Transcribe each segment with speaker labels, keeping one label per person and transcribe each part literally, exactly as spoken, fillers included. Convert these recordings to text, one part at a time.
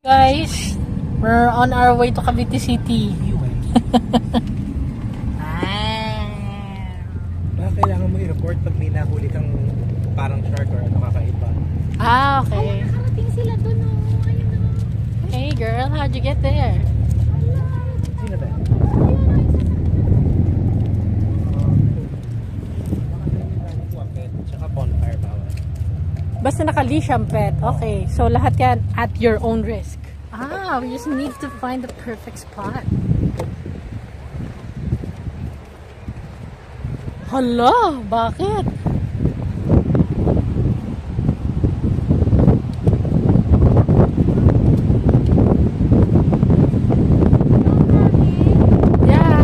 Speaker 1: Guys, we're on our way to Cavite City.
Speaker 2: Baka kailangan mo i-report pag may nahuli kang parang shark or ano kakaiba.
Speaker 1: Ah, okay.
Speaker 3: Nakarating sila doon, oh. Ayun, oh.
Speaker 1: Hey girl, how'd you get there?
Speaker 2: Sino ba? Tsaka bonfire bawal.
Speaker 1: Basta naka-leash ang pet. Okay, so lahat yan at your own risk. Ah, we just need to find the perfect spot. Hala, bakit? Yeah.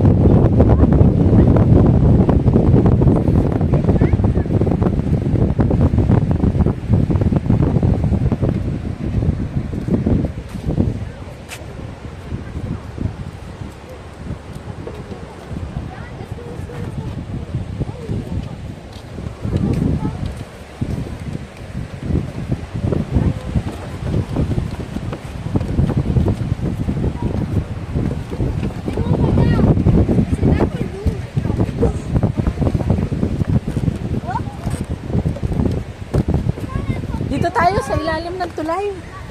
Speaker 1: Dito tayo sa ilalim ng tulay.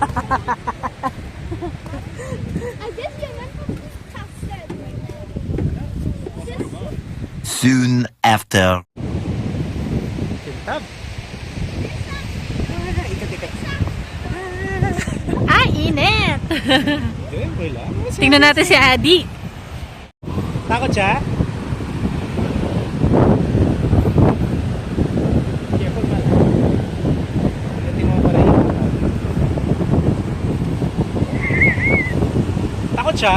Speaker 3: I guess you went from this castle right now. This
Speaker 4: Soon after.
Speaker 2: Kintab. Ah, ikat-ikat.
Speaker 1: Ah, init!
Speaker 2: Doon, boy lang.
Speaker 1: Tingnan natin si Adi.
Speaker 2: Takot siya? Careful man. Pagdating mo para yun. Takot siya?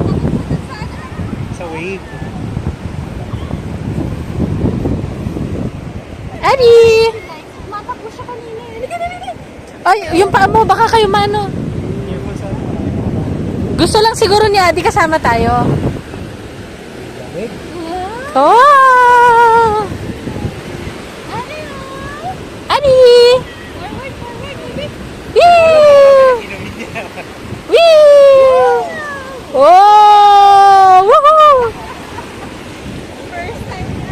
Speaker 2: Sa wave.
Speaker 1: Adi!
Speaker 3: Matakbo siya kanina. Halika na, halika.
Speaker 1: Ay, yung paa mo, baka kayo mano.
Speaker 2: Careful sa...
Speaker 1: Gusto lang siguro ni Adi kasama tayo.
Speaker 2: Lamig?
Speaker 1: Oh!
Speaker 3: Ano yun?
Speaker 1: Adi!
Speaker 3: Forward, forward, baby.
Speaker 1: Woo!
Speaker 2: Inumin niya.
Speaker 1: Woo! Oh! Woohoo!
Speaker 3: First time na.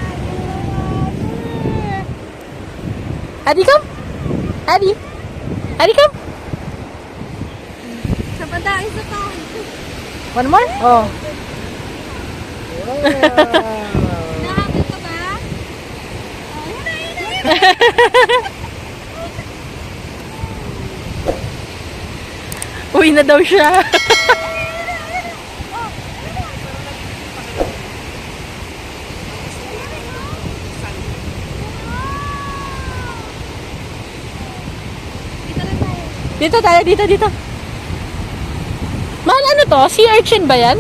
Speaker 1: Adi, come! Adi! Adi, come!
Speaker 3: Sa banda, isa to.
Speaker 1: One more? Oh.
Speaker 3: Nahabol ka ba? Oh, yun na, yun na, yun na.
Speaker 1: Uwi na daw siya.
Speaker 3: Dito
Speaker 1: Dito
Speaker 3: lang tayo.
Speaker 1: tayo, dito, dito. Mahal, ano to? Sea urchin ba yan?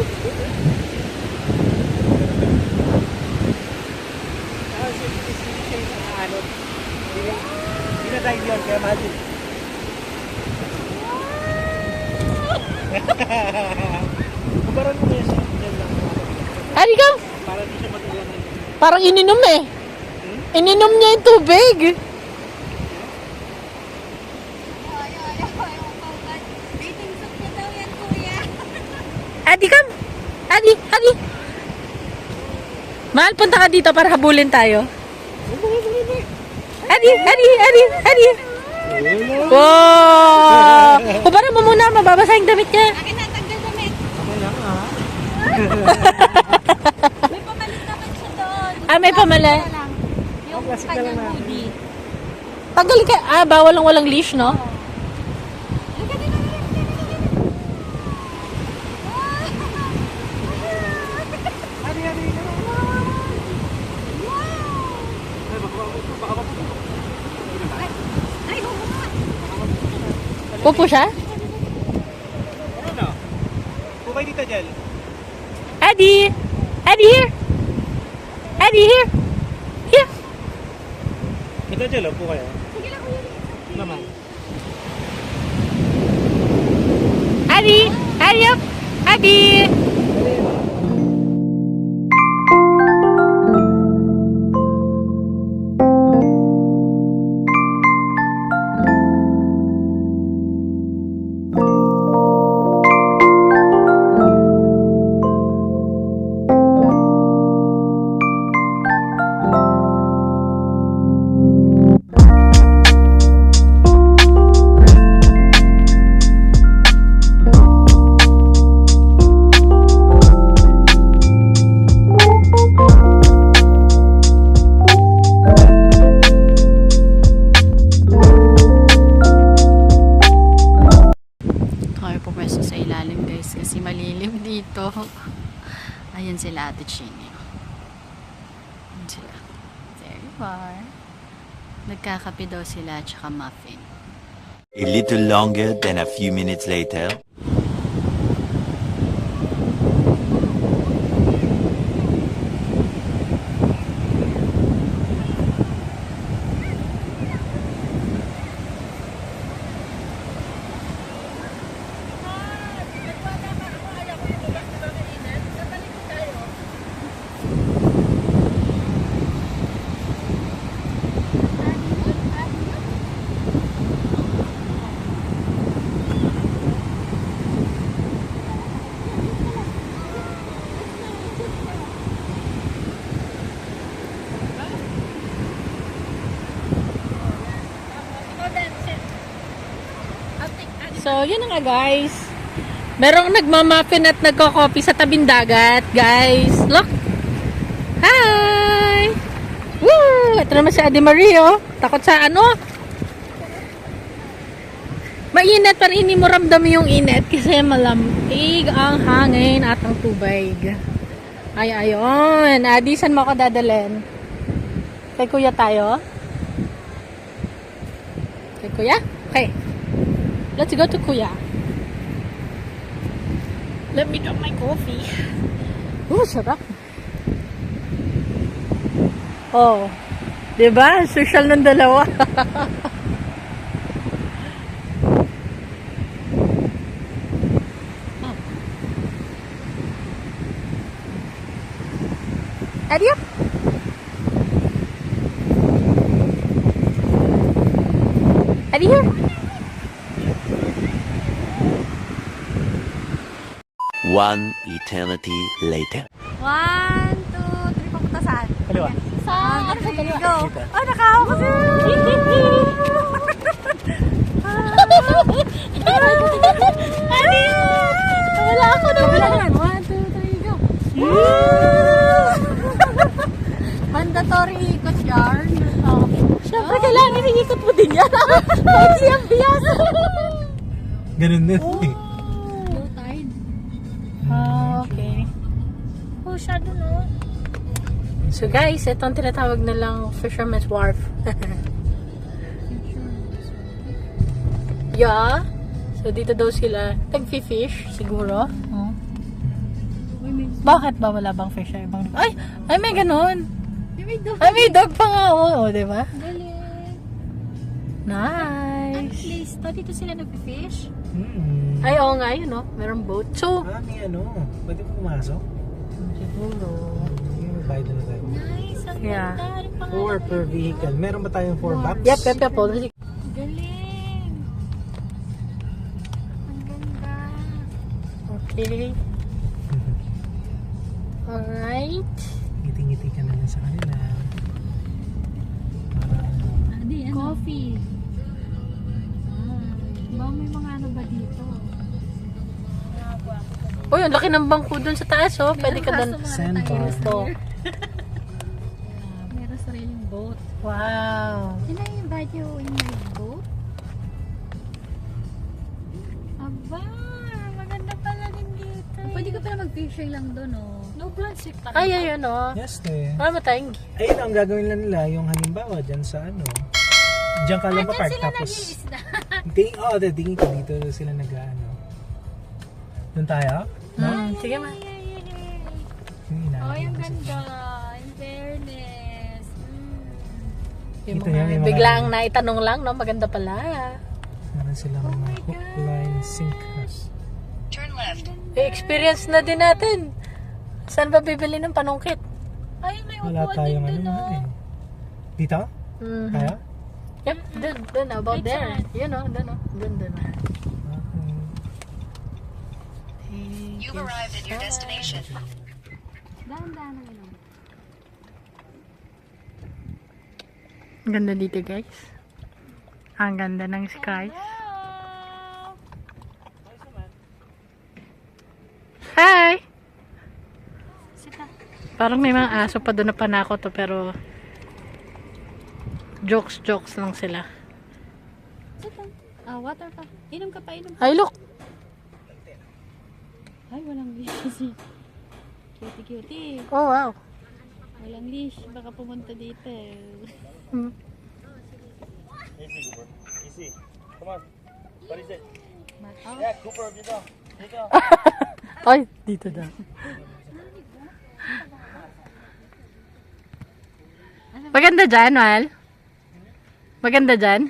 Speaker 2: Hindi na drive yun, kaya mahal din. Kubaran mo na siya. Diyan lang.
Speaker 1: Adi, come!
Speaker 2: Para di siya mag-ulan.
Speaker 1: Parang ininom eh. Ininom niya yung tubig.
Speaker 3: Ay, ay, ay, ay, dating soup na daw yan, kuya.
Speaker 1: Adi, come! Adi, Adi! Mahal, punta ka dito para habulin tayo. Adi, Adi, Adi, Adi! Wow! Kubaran mo muna, mababasa yung damit niya.
Speaker 3: Akin na, tanggal damit.
Speaker 2: Ako lang ah.
Speaker 3: May pamalit naman siya doon.
Speaker 1: Ah, may pamalit.
Speaker 3: Plastic na lang. Yung
Speaker 2: Plastic na lang
Speaker 3: kanyang
Speaker 2: na.
Speaker 3: hoodie.
Speaker 1: Tagal ka. Ah, bawal lang walang leash, no?
Speaker 3: Halika dito, halika, halika, halika.
Speaker 2: Hari, hari. Ay, baka baka baka
Speaker 3: Ay, oo nga.
Speaker 1: Pupo siya?
Speaker 2: Ano? Pupay dito, Jel.
Speaker 1: Adi! Adi, here! Adi, here! Here!
Speaker 2: Ito, Jel, oh, po kayo.
Speaker 3: Sige lang, kuya.
Speaker 2: Naman.
Speaker 1: Adi! Adi up! Adi!
Speaker 3: fettuccine. Yun sila. There you are. Nagkakape daw sila at saka muffin.
Speaker 4: A little longer than a few minutes later.
Speaker 1: So, yun na nga guys. Merong nagmamappin at nagko-coffee sa tabing dagat, guys. Look! Hi! Woo! Ito naman si Ate Marie, oh. Takot sa ano? Mainit, pero hindi mo ramdam yung init kasi malamig ang hangin at ang tubig. Ay, ayon. Adi, saan mo ako dadalhin? Kay Kuya tayo? Kay Kuya? Okay. Let's go to Kuya. Let me drop my coffee. Oh, sarap. Oh. Diba? Social ng dalawa. Adio? Adio?
Speaker 4: One eternity later.
Speaker 3: One, two, three, papunta saan?
Speaker 2: Kaliwa.
Speaker 3: Sa, ano sa kaliwa? Go! Oh, nakahawa ko siya! Ano yun? Wala ako na wala naman. One, two, three, go! Mandatory ikot yarn. Oh.
Speaker 1: Siyempre, kailangan iniikot mo din yan. Kahit siyang biyas.
Speaker 2: Ganun din. eh.
Speaker 3: Low tide.
Speaker 1: Ah, okay. Oh, shadow no. So guys, ito ang tinatawag na lang Fisherman's Wharf. Yeah. So dito daw sila nagfi-fish siguro. Oh. Bakit ba wala bang fish sa ibang lugar? Ay, ay may ganun.
Speaker 3: May dog.
Speaker 1: Ay may dog pa nga. Oo, oh, di ba?
Speaker 3: Galing.
Speaker 1: Nice.
Speaker 3: Place to, dito sila nag-fish.
Speaker 2: Hmm.
Speaker 1: Ay, oo nga yun, no? Merong boat. So,
Speaker 2: Ah, may ano. Pwede mo pumasok?
Speaker 1: siguro.
Speaker 2: Yung magbayad na tayo.
Speaker 3: Nice. Ang
Speaker 1: Yeah.
Speaker 3: ganda. Ano pangalan?
Speaker 2: Four per vehicle. Meron ba tayong four bucks?
Speaker 1: Yep, yep, yep. Oh,
Speaker 3: Galing. Ang ganda.
Speaker 1: okay. Alright.
Speaker 2: Ngiti-ngiti ka na lang sa kanila. Para ano.
Speaker 3: Adi, ano? Coffee. Ah, ba may mga ano ba dito?
Speaker 1: Uy, ang laki ng bangko dun sa taas, oh. Pwede ka dun.
Speaker 2: Sandbar.
Speaker 1: Oh.
Speaker 3: Meron sariling boat.
Speaker 1: Wow.
Speaker 3: Can I invite you in my boat? Aba, maganda pala din dito. Pwede ka pala mag-fishing lang doon, oh. No plastic pa.
Speaker 1: Ay, ayun, oh.
Speaker 2: Yes, te.
Speaker 1: Wala mo tayong
Speaker 2: Ayun ang gagawin lang nila. Yung halimbawa dyan sa ano. Diyan ka lang
Speaker 3: Ah,
Speaker 2: park.
Speaker 3: dyan sila
Speaker 2: Tapos,
Speaker 3: nag-iisda.
Speaker 2: tingin, oh, de, tingin ko dito sila nag-ano. Doon tayo? No?
Speaker 1: Hmm, sige ma.
Speaker 2: Yung inaano
Speaker 3: Oh, yung
Speaker 2: ko kasi.
Speaker 3: ganda. In fairness. Mm.
Speaker 1: Yung
Speaker 2: Ito
Speaker 1: mga,
Speaker 2: yan, yung mga-
Speaker 1: biglang naitanong lang, no? Maganda pala.
Speaker 2: Meron silang
Speaker 3: Oh
Speaker 2: mga
Speaker 3: my
Speaker 2: hook,
Speaker 3: God.
Speaker 2: line, sink.
Speaker 1: I-experience na din natin. Saan ba bibili ng panungkit?
Speaker 3: Ay, may
Speaker 2: Wala
Speaker 3: upuan din
Speaker 2: tayong ano
Speaker 3: doon,
Speaker 2: mahal
Speaker 3: oh.
Speaker 2: eh. Dito?
Speaker 1: Mhm.
Speaker 2: Kaya?
Speaker 1: Yep, dun, dun, about
Speaker 3: Wait,
Speaker 1: there.
Speaker 3: saan?
Speaker 1: Yun, oh, dun, oh. Dun, dun.
Speaker 2: Okay.
Speaker 1: You've arrived at your destination.
Speaker 3: Dahan-dahan na yun.
Speaker 1: Ang ganda dito, guys. Ang ganda ng sky.
Speaker 3: Hello!
Speaker 1: Hi!
Speaker 3: Sita.
Speaker 1: Parang may mga aso pa doon na panako to, pero jokes-jokes lang sila.
Speaker 3: Sita. Ah, water pa. Inom ka pa, inom.
Speaker 1: Ay, look!
Speaker 3: Ay, walang busy. Cutie, cutie.
Speaker 1: Oh, wow.
Speaker 3: Walang leash. Baka pumunta dito.
Speaker 1: Hmm.
Speaker 5: Easy, Cooper. Easy. Come on. What is it?
Speaker 3: Bata.
Speaker 5: Yeah, Cooper, dito. Dito.
Speaker 1: Ay, dito daw. Maganda dyan, Mal. Maganda dyan.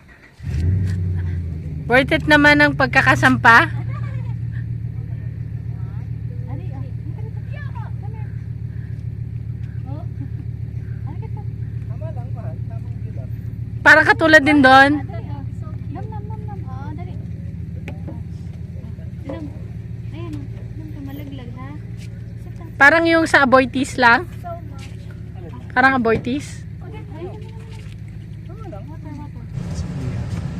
Speaker 1: Worth it naman ang pagkakasampa.
Speaker 3: Ari, ah. Come here. Oh. Ari ka
Speaker 2: Tama lang, mahal. Tamang view lang.
Speaker 1: Parang katulad din doon.
Speaker 3: Dali, ah. Nam, nam, nam, nam. Oo, dali. Nam. Ayan, ah. Nam ka malaglag, ha? Sit down.
Speaker 1: Parang yung sa Aboitiz lang. Parang Aboitiz.
Speaker 3: Okay. Ayun.
Speaker 2: Tama lang.
Speaker 3: Water, water.
Speaker 2: Si Kuya.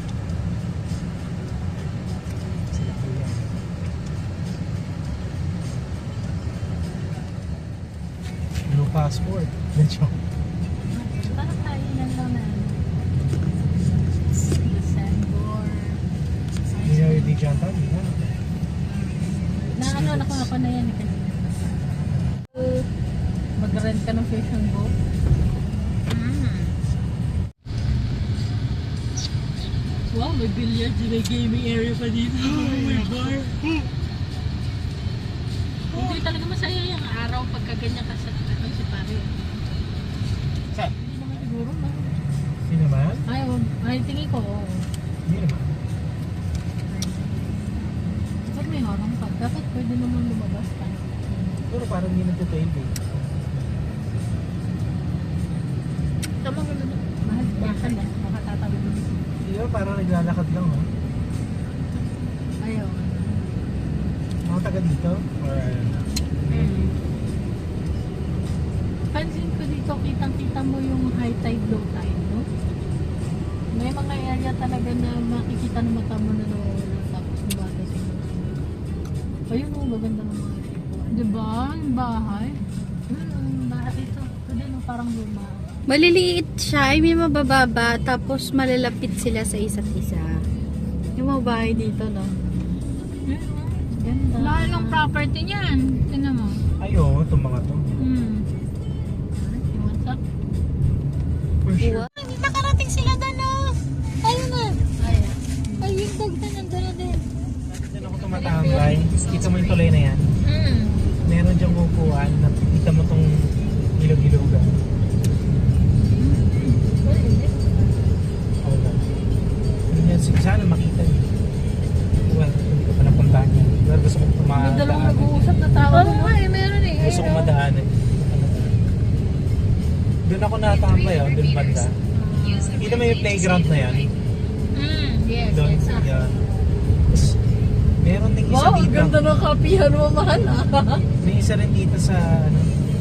Speaker 2: Sila Kuya. No passport. Medyo.
Speaker 3: Parang kainan lang na. Sandor.
Speaker 2: Hindi na hindi dyan tayo. Hindi na.
Speaker 1: Na ano, nakuha ko na yan. eh, kanina. Mag-rent ka ng fishing boat. Wow, may billiards, may gaming area pa dito. Oh my God. Hindi talaga masaya yung araw pagka ganyan ka sa ano, si pare.
Speaker 2: Saan?
Speaker 1: Hindi naman siguro, no?
Speaker 2: Hindi naman?
Speaker 1: Ay, oh, ay tingin ko, oo.
Speaker 2: Hindi naman.
Speaker 1: Dapat may harang pa. Dapat pwede naman lumabas ka.
Speaker 2: Pero parang hindi nagtatail eh.
Speaker 1: Tama ko na. Mahal, baka na. Baka tatawid mo.
Speaker 2: Hindi ba parang naglalakad lang oh.
Speaker 1: Ayaw.
Speaker 2: Mga taga dito? Or
Speaker 1: Hmm. Pansin ko dito, kitang-kita mo yung high tide, low tide, no? May mga area talaga na makikita ng mata mo na nawawala tapos nabatasin mo. Ayun o, maganda ng mga tipo. Diba? Yung bahay. Yun, ang bahay ito. Ito din, oh, parang luma.
Speaker 3: Maliliit siya, ay may mabababa, tapos malalapit sila sa isa't isa. Yung mga bahay dito, no?
Speaker 1: Yun, oh. Ganda.
Speaker 3: Mahal ng property niyan. Tingnan mo.
Speaker 2: ay oo, itong mga to.
Speaker 3: Hmm.
Speaker 1: You want some?
Speaker 2: For sure.
Speaker 3: Hindi nakarating sila doon, no? Ayun na.
Speaker 1: Ayan.
Speaker 3: Ay, yung dog na nandun na din.
Speaker 2: Diyan ako tumatambay. Kita mo yung tulay na yan.
Speaker 3: Hmm.
Speaker 2: Meron diyang upuan. Nakikita mo tong ilog-ilogan. Oo. Yun yan. Sana makita niyo. Well, hindi ko pa napuntahan yan. Pero gusto kong
Speaker 1: May dalawang
Speaker 2: tumadaanan.
Speaker 1: nag-uusap na tao.
Speaker 3: Oo nga, eh, meron eh.
Speaker 2: Gusto kong madaanan. Doon ako natambay oh. Doon banda. Kita mo yung playground na yan.
Speaker 3: Hmm. Yes,
Speaker 2: Doon.
Speaker 3: yes.
Speaker 2: Yan. Tapos, meron din isa
Speaker 1: Wow, ang
Speaker 2: dito.
Speaker 1: ganda ng kapihan mo, mahal ah.
Speaker 2: May isa rin dito sa ano.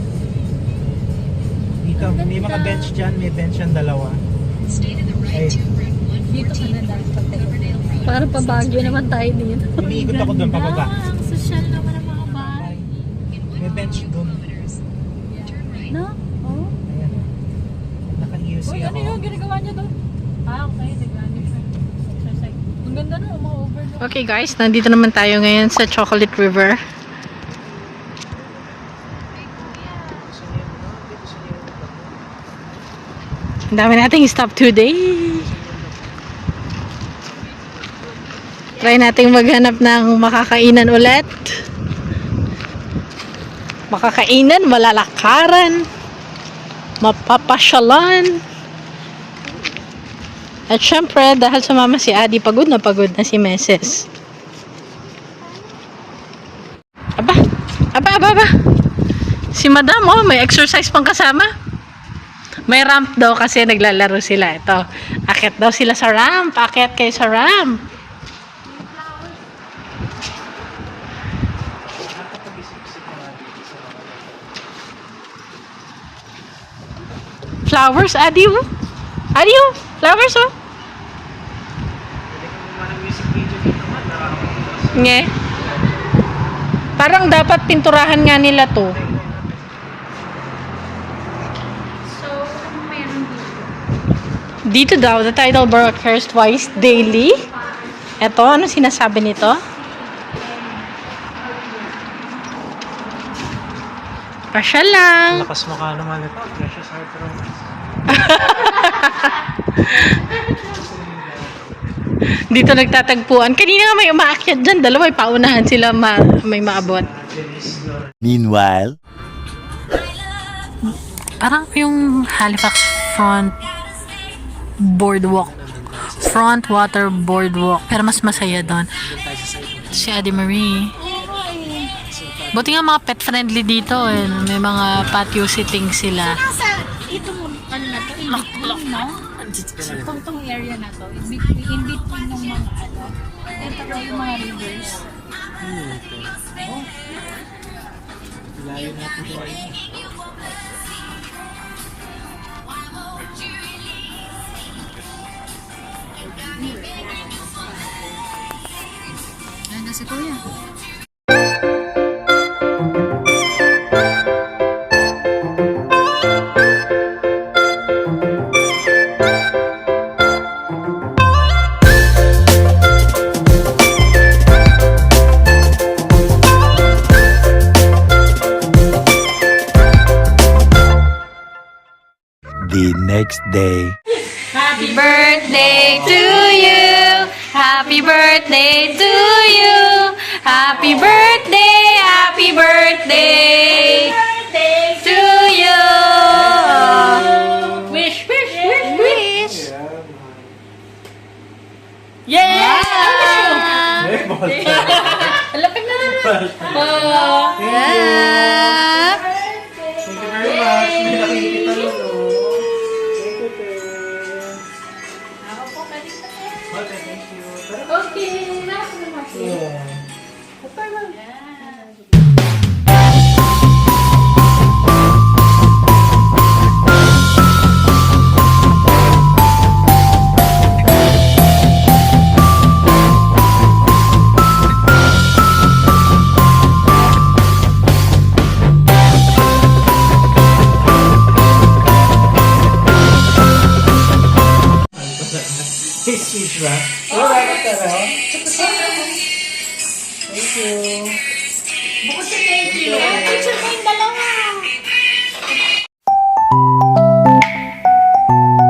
Speaker 2: Dito, may mga bench dyan, may bench yan dalawa. Ay,
Speaker 1: Dito ka na dahil para pa Baguio naman tayo dito.
Speaker 2: umiikot ako doon pababa.
Speaker 3: Ah, ang social naman ng mga bahay.
Speaker 2: May bench doon.
Speaker 3: No? Oh.
Speaker 2: Ayan. Naka-U C
Speaker 1: Uy,
Speaker 2: ako.
Speaker 1: ano yung ginagawa niya doon? Ah, okay. Nag-ano siya. Exercise. Ang ganda na, ma-overload. Okay guys, nandito naman tayo ngayon sa Chocolate River. Ang dami nating stop today. Try nating maghanap ng makakainan ulit. Makakainan, malalakaran, mapapasyalan. At syempre, dahil sumama si Adi, pagod na pagod na si Meses. Aba, aba, aba, aba. Si Madam, oh, may exercise pang kasama. May ramp daw kasi naglalaro sila. Ito, akit daw sila sa ramp. Akit kayo sa ramp. Flowers, Adi, oh. Adi, oh. Flowers, oh. Nge. Parang dapat pinturahan nga nila to.
Speaker 3: So, ano meron dito?
Speaker 1: Dito daw, the tidal bore occurs twice daily. Eto, ano sinasabi nito? Pasya lang.
Speaker 2: Lakas mukha naman ito. Precious Heart Romance.
Speaker 1: Dito nagtatagpuan. Kanina nga may umaakyat dyan. Dalawa, may paunahan sila ma may maabot.
Speaker 4: Meanwhile,
Speaker 1: Parang yung Halifax Front Boardwalk. Front Water Boardwalk. Pero mas masaya doon. Si Adi Marie. Buti nga mga pet friendly dito eh. May mga patio sitting sila.
Speaker 3: Nasa itong ano na to, in between, no? Itong, itong area na to, in between, in between ng mga ano, ito ko yung mga rivers.
Speaker 2: Layo natin ito.
Speaker 3: Ay, nasa kuya.
Speaker 4: the next day.
Speaker 1: Happy birthday to you. Happy birthday to you. Happy birthday, happy birthday to you. Wish, wish, wish, wish. Yeah! Lapit na naman. Oh. Yeah.
Speaker 2: Thank you very much. May nakikita nun, oh. Thank you, te. Okay, thank you.
Speaker 1: Okay. Nasa naman.
Speaker 2: Yeah. Hey, sweet ba? Oh, dapat ka na. Thank you.
Speaker 3: Bukod sa thank you, picture kayong dalawa.